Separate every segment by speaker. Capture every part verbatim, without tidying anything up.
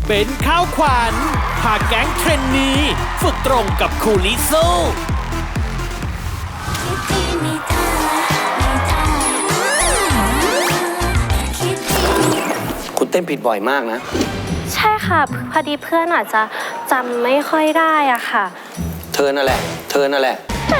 Speaker 1: เป็นข้าวขวัญพาแก๊งเทรนนีฝึกตรงกับครูลิซู
Speaker 2: คุณเต้นผิดบ่อยมากนะ
Speaker 3: ใช่ค่ะพอดีเพื่อนอาจจะจำไม่ค่อยได้อ่ะค่ะ
Speaker 2: เธอนั่นแหละเธอนั่นแหละ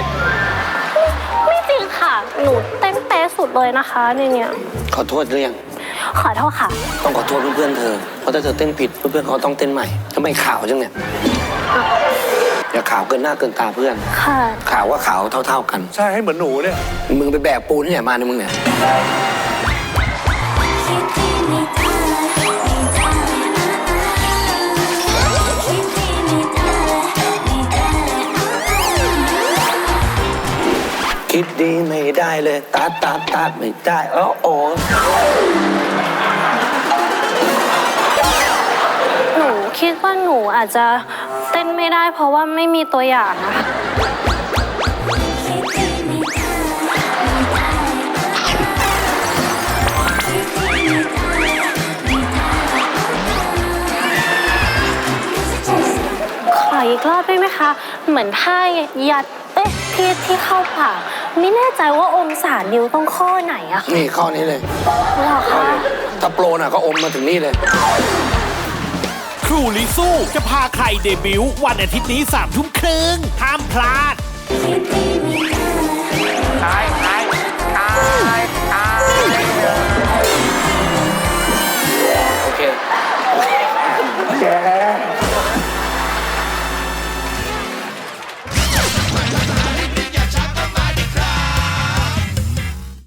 Speaker 3: ไม่จริงค่ะหนูเต้นเป๊ะสุดเลยนะคะเนี่ยเนี่ย
Speaker 2: ขอโทษหรือยัง
Speaker 3: ขอโทษค่ะ
Speaker 2: ต้องขอโทษเพื่อนๆเธอเพราะถ้าเธอเต้นผิดเพื่อนๆเขาต้องเต้นใหม่ทำไมขาวจังเนี่ยอย่าขาวเกินหน้าเกินตาเพื่อน
Speaker 3: ค่ะ
Speaker 2: ขาวว่าขาวเท่าๆกัน
Speaker 4: ใช่ให้เหมือนหนูเนี่ย
Speaker 2: มึงไปแบกปูนที่ไหนมาเนี่ยมึงเนี่ยคิดดีไม่ได้เลยตัดตัดตัดไม่ได้อ๋อโอ้
Speaker 3: หนูคิดว่าหนูอาจจะเต้นไม่ได้เพราะว่าไม่มีตัวอย่างนะคะขออีกรอบได้ไหมคะเหมือนท่ายัดเอ๊ะที่ที่เข้าปากไม่แน่ใจว่าองศานิ้วต้องข้อไหนอะ
Speaker 2: นี่ข้อนี้เลย
Speaker 3: หรอคะ
Speaker 2: ถ้าโปรน่ะก็อมมาถึงนี่เลย
Speaker 1: ครูลิซูจะพาใครเดบิวต์วันอาทิตย์นี้สามทุ่มครึ่งห้ามพลาด
Speaker 4: ใช่